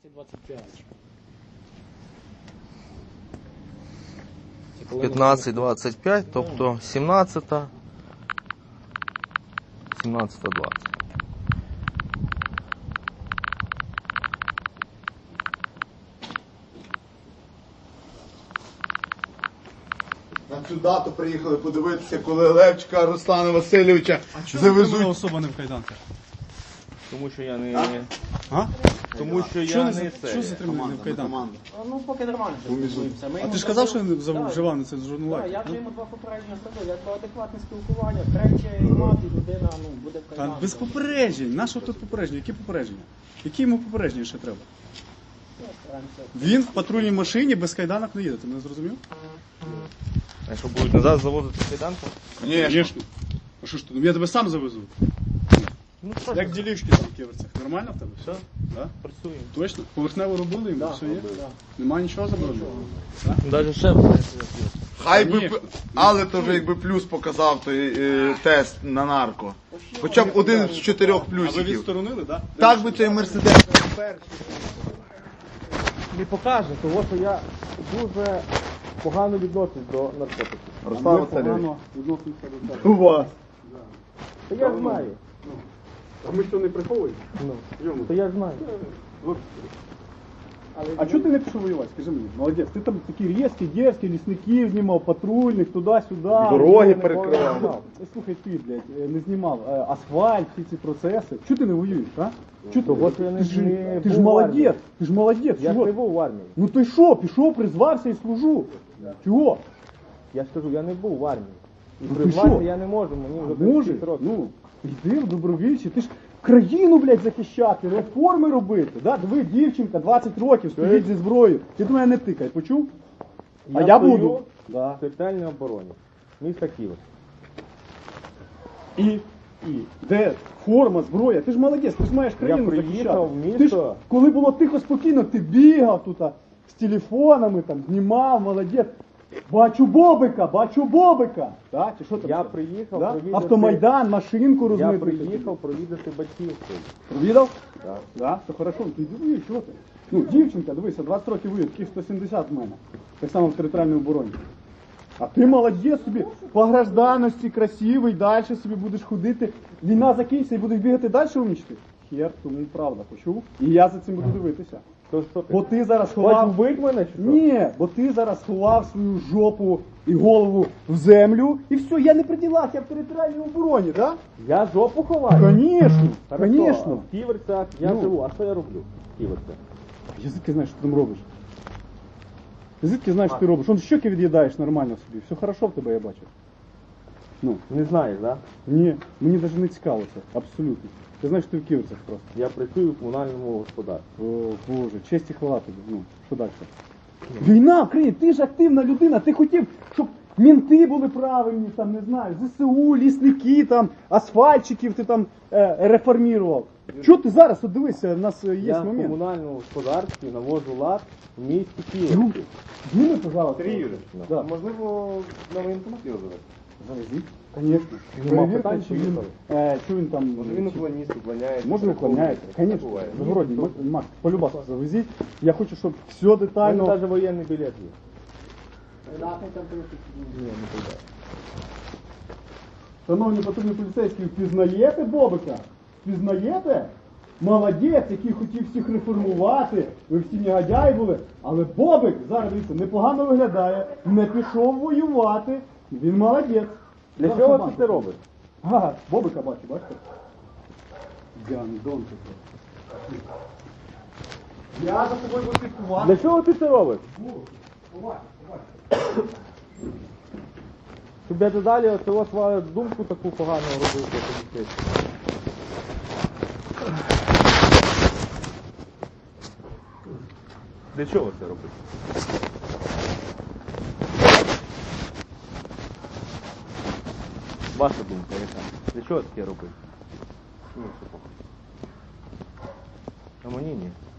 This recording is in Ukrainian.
15-25. 15-25, тобто 17-та, 17-20. На цю дату приїхали подивитися, коли Левчика Руслана Васильовича завезуть. Особа не в кайданках. Тому що я не... А? Тому що Що я не не що затриманий в кайданках? Команда. Ну, поки нормально спілкуємося. А ти ж казав, що він вживав на це журнал? Так, я вже йому два попередження сказав, як адекватне спілкування, третє мати людина, буде в Та кайданках. без попереджень. На що тут попередження? Які попередження? Які йому попередження ще треба? Він в патрульній машині без кайданок не їде, ти мене зрозумів? А що будуть назад завозити кайданку? Звісно. А що ж ти? Я тебе сам завезу. Ну, Як ділішки там в ківерцях. Нормально в тебе? Все, Да? працюємо. Точно? Поверхнево робили йому? Все є? Нема нічого забороненого? Навіть ще Хай би, Ні. але то вже якби плюс показав той тест на нарко. Хоча б один з 4 А ви плюсиків. відсторонили, так? Так би цей Мерседес. не покаже, того, що я дуже погано відношусь до наркотиків. Руслан Ви Васильович. погано відносимося до цього. У вас. Та я знаю. А ми що не приховуємо? Ну, то я знаю. А чого ти не пішов воювати? Скажи мені, молодець, ти там такі різкі, дерзкі, лісників знімав, патрульних, туди-сюди. Дороги перекривав. Слухай, ти, блядь, не знімав асфальт, всі ці процеси. Чого ти не воюєш, а? Чого Того, що я ти ж не ти ж був в армії. молодець, ти ж молодець. Я ж чого? не був в армії. Ну ти що, пішов, призвався і служу. Чого? Я ж кажу, я не був в армії. І Ну, ти призватися що? я не можу, мені вже Може, 36 років. ну, йди в добровільчі, ти ж країну, блядь, захищати, реформи робити. Да? Диви, дівчинка, 20 років, стоїть зі зброєю. Ти до мене не тикай, почув? А я стою буду. в територіальній обороні. Міста Києва. І де форма, зброя? Ти ж молодець, ти ж маєш країну приїхав захищати. в місто. Ти ж, коли було тихо, спокійно, ти бігав тут з телефонами, там, знімав, молодець. Бачу Бобика. Так, чи що там? Я ще? приїхав Да? провідати... Автомайдан, машинку Я розмити. приїхав провідати батьків своїх. Провідав? Так. Да, все хорошо, ти дивись, що ти? Ну, дівчинка, дивися, 20 років воює, таких 170 в мене. Так само в територіальній обороні. А ти молодець собі, по гражданності, красивий, далі собі будеш ходити. Війна закінчиться і будеш бігати далі умічти? Хер, тому правда, почув? І я за цим буду дивитися. То що ти? Бо ти зараз Хочеш ховав... вбити мене чи що? Ні, бо ти зараз ховав свою жопу і голову в землю, і все, я не при ділах, я в територіальній обороні, так? Я жопу ховаю? Конечно, Хорошо, конечно. В Ківерцях я Ну. живу. А що я роблю в Ківерцях? Я звідки знаєш, що ти там робиш? Ти звідки знаєш, що ти робиш? Он щоки від'їдаєш нормально собі. Все хорошо в тебе, я бачу. Ну, Не знаєш, так? Да? ні, мені навіть не цікаво це, абсолютно. Ти знаєш, що ти в Київцях просто. Я працюю в комунальному господарстві. О, Боже, честь і хвала тобі. Ну, що далі? Війна в країні, ти ж активна людина, ти хотів, щоб мінти були правильні, там, не знаю, ЗСУ, лісники, там, асфальтчиків ти там реформував. Чого ти зараз, от дивися, у нас є Я в момент. комунальному господарстві навожу лад в місті Ну, Києві. зніми, пожалуйста. Да. Можливо, на воєнкомат його завести? Завезіть. Конечно. Нема Перевірте, питань, чи він, поїхали. що він там... Може він уклоніст уклоняється? Може уклоняється. Конечно. Буває. Загородній, Макс, полюбас завезіть. Я хочу, щоб все У мене детально... навіть воєнний білет є. Ні, не прийде. Шановні патрульні поліцейські, впізнаєте Бобика? Впізнаєте? Молодець, який хотів всіх реформувати, ви всі негодяї були, але Бобик, зараз дивіться, непогано виглядає, не пішов воювати, він молодець. Для Зараз чого побачите. ти це робиш? Ага, Бобика бачу, бачите? Гандон такий. Я за тобою буду слідкувати. Для чого ти це робиш? Щоб я далі оцього свою думку таку погану робив про поліцейських. Для чого це робити? Ваша думка яка? Для чого таке робити? Ну, це похуй. А мені ні.